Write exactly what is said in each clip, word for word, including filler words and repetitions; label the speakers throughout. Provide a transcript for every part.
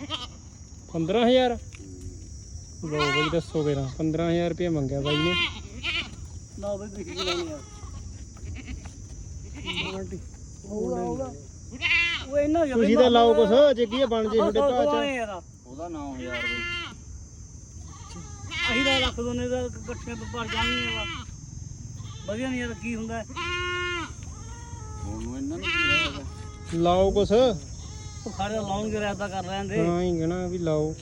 Speaker 1: पंद्रह हजार लो भाई दसो केरा पंद्रह हजार रुपया मंगया भाई ने
Speaker 2: ਨਾ ਬਈ ਬਿਕੀ ਲਾਉਣੀ ਯਾਰ ਹੋਊਗਾ ਹੋਊਗਾ ਉਹ ਇਹਨਾਂ ਜਿਹਾ
Speaker 1: ਤੁਸੀਂ ਤਾਂ ਲਾਓ ਕੁਛ ਜੇ ਕੀ ਬਣ ਜੇ ਤੁਹਾਡੇ ਭਾਅ ਚ
Speaker 2: ਉਹਦਾ ਨੌ ਹਜ਼ਾਰ ਬਈ ਅਸੀਂ ਤਾਂ ਰੱਖ ਦੋਨੇ ਦਾ ਇਕੱਠੇ ਪਰ ਜਾਣਗੇ ਵਧੀਆ ਨਹੀਂ ਯਾਰ ਕੀ ਹੁੰਦਾ ਹੁਣ ਇਹਨਾਂ ਨੂੰ
Speaker 1: ਲਾਓ ਕੁਛ
Speaker 2: ਉਹ ਖੜੇ ਲਾਉਣਗੇ ਰਾਇਤਾ ਕਰ ਲੈਂਦੇ
Speaker 1: ਹਾਂ ਹੀ ਕਹਿਣਾ ਵੀ ਲਾਓ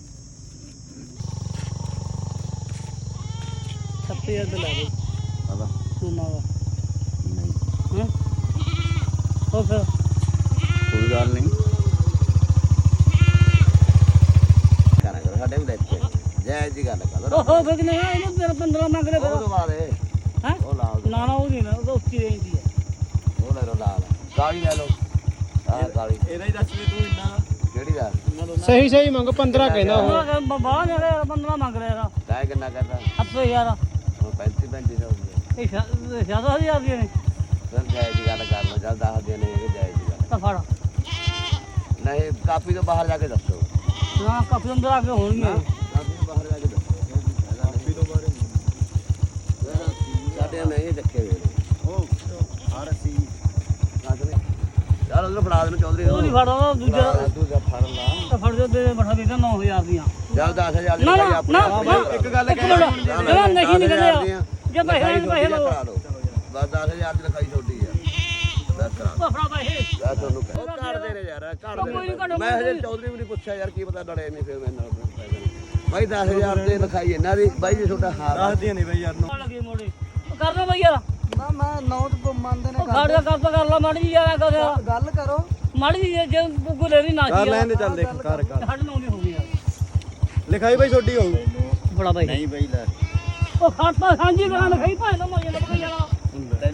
Speaker 2: ਸੱਤੇ ਹਜ਼ਾਰ ਦੇ ਲੈ ਬਈ
Speaker 3: ਆਦਾ
Speaker 2: ਤੂੰ ਮਾਵਾ
Speaker 3: ਨਹੀਂ
Speaker 2: ਹਾਂ ਹੋ ਫਿਰ
Speaker 3: ਕੋਈ ਗੱਲ ਨਹੀਂ ਕਰਾ ਕਰ ਸਾਡੇ ਵੀ ਦੇਖੇ ਜੈ ਜੀ ਗੱਲ ਕਰ
Speaker 2: ਉਹ ਹੋ ਫਿਰ ਨਹੀਂ ਇਹਨੂੰ ਤੇਰਾ ਪੰਦਰਾਂ ਮੰਗ ਲੈ
Speaker 3: ਉਹ
Speaker 2: ਫਿਰ
Speaker 3: ਤੋਂ ਬਾਅਦ ਇਹ
Speaker 2: ਹੈ
Speaker 3: ਉਹ ਲਾ ਦਿਓ।
Speaker 2: ਨਾ ਨਾ ਉਹ ਨਹੀਂ ਨਾ ਉਹ ਤਾਂ ਉੱਚੀ ਰੇਂਜ ਦੀ ਹੈ
Speaker 3: ਉਹ ਲੈ ਲਓ ਲਾ ਲਾ ਕਾਲੀ ਲੈ ਲਓ ਆਹ ਕਾਲੀ
Speaker 2: ਇਹਦਾ ਹੀ ਦੱਸ ਵੀ ਤੂੰ ਇੰਨਾ
Speaker 3: ਕਿਹੜੀ ਦਾ
Speaker 1: ਸਹੀ ਸਹੀ ਮੰਗ ਪੰਦਰਾਂ ਕਹਿੰਦਾ ਉਹ
Speaker 2: ਬਾਹਰ ਨੇ ਪੰਦਰਾਂ ਮੰਗ ਲਿਆ ਇਹਦਾ
Speaker 3: ਤੈਂ ਕਿੰਨਾ ਕਰਦਾ
Speaker 2: ਅੱਪੇ ਯਾਰ
Speaker 3: ਉਹ ਪੈਂਤੀ ਪੈਂਤੀ ਸੌ ਦੀ
Speaker 2: ਇਹ ਜ਼ਿਆਦਾ ਹਜ਼ਾਰ ਦੀਆਂ ਨੇ
Speaker 3: ਫਿਰ ਜੈ ਜੀ ਗੱਲ ਕਰ ਲਓ ਚੱਲ ਦੱਸ ਦੇ ਨਹੀਂ ਇਹ ਜੈ ਜੀ ਗੱਲ
Speaker 2: ਤਾਂ ਫੜ
Speaker 3: ਨਹੀਂ ਕਾਪੀ ਤੋਂ ਬਾਹਰ ਜਾ ਕੇ ਦੱਸੋ
Speaker 2: ਨਾ ਕਾਫੀ ਅੰਦਰ ਆ ਕੇ ਹੋਣਗੀਆਂ
Speaker 3: ਕਾਪੀ ਤੋਂ ਬਾਹਰ ਜਾ ਕੇ ਦੱਸੋ ਕਾਪੀ ਤੋਂ ਬਾਹਰ ਸਾਡੇ ਨਹੀਂ ਚੱਕੇ ਵੇ ਉਹ ਹਰ ਸੀ ਕਾਹਦੇ ਯਾਰ ਉਹਨੂੰ ਫੜਾ ਦੇਣ ਚੌਧਰੀ
Speaker 2: ਉਹ ਨਹੀਂ ਫੜਦਾ ਦੂਜਾ
Speaker 3: ਦੂਜਾ ਫੜ ਲਾ
Speaker 2: ਤਾਂ ਫੜ ਜੋ ਦੇ ਬਠਾ ਦੇ ਨੌ ਹਜ਼ਾਰ ਦੀਆਂ
Speaker 3: ਚੱਲ ਦਸ ਹਜ਼ਾਰ ਦੀ
Speaker 2: ਨਾ
Speaker 3: ਲਿਖਾਈ
Speaker 2: ਨਾ
Speaker 3: ਆਪਣੇ
Speaker 2: ਨਾ ਇੱਕ ਗੱਲ ਕਹਿ ਨਾ ਨਹੀਂ ਨਹੀਂ ਕਹਿੰਦੇ ਜੇ ਪੈਸੇ ਪੈਸੇ ਲਓ
Speaker 3: ਬਸ ਦਸ ਹਜ਼ਾਰ ਦੀ ਲਿਖਾਈ ਛੋਟੀ ਆ ਬਸ ਕਰਾ
Speaker 2: ਉਹ ਫੜਾ ਪੈਸੇ
Speaker 3: ਮੈਂ ਤੁਹਾਨੂੰ ਕਹਿ ਉਹ ਕੱਢ ਦੇ ਨੇ ਯਾਰ ਕੱਢ ਦੇ ਮੈਂ ਹਜੇ ਚੌਧਰੀ ਵੀ ਨਹੀਂ ਪੁੱਛਿਆ ਯਾਰ ਕੀ ਪਤਾ ਲੜੇ ਨਹੀਂ ਫਿਰ ਮੈਂ ਨਾਲ ਬਾਈ ਦਸ ਹਜ਼ਾਰ ਦੇ ਲਿਖਾਈ ਇਹਨਾਂ ਦੀ ਬਾਈ ਜੀ ਤੁਹਾਡਾ ਹਾਰ ਦੱਸਦੀਆਂ ਨਹੀਂ ਬਾਈ ਯਾਰ
Speaker 2: ਲੱਗੇ ਮੋੜੇ ਕਰ ਦੋ ਬਈ ਯਾਰ
Speaker 4: ਨਾ ਮੈਂ ਨੌ ਤੋਂ ਮੰਨਦੇ ਨੇ
Speaker 2: ਖੜ ਜਾ ਕਰ ਤਾਂ ਕਰ ਲਾ ਮਾੜੀ ਜੀ ਯਾਰ ਕਰ
Speaker 4: ਗੱਲ ਕਰੋ
Speaker 2: ਮਾੜੀ ਜੀ ਜੇ ਗੁਲੇਰੀ ਨਾ
Speaker 1: ਕਰ ਲੈਣ ਦੇ ਚੱਲ ਦੇਖ ਕਰ ਕਰ
Speaker 2: ਸਾਡੇ ਨੌ ਦੀ ਹੋ ਗਈ ਯਾਰ
Speaker 1: ਲਿਖਾਈ ਬਾਈ ਛੋਟੀ ਹੋਊ
Speaker 2: ਬੜਾ ਬਾਈ
Speaker 3: ਨਹੀਂ ਬਾਈ ਲੈ
Speaker 2: ਉਹ ਖਾਤਾ ਸਾਂਝੀ ਕਰਾਂ ਲਿਖਾਈ ਭਾਵੇਂ ਨਾ ਮੋਜੇ ਲੱਗ ਯਾਰ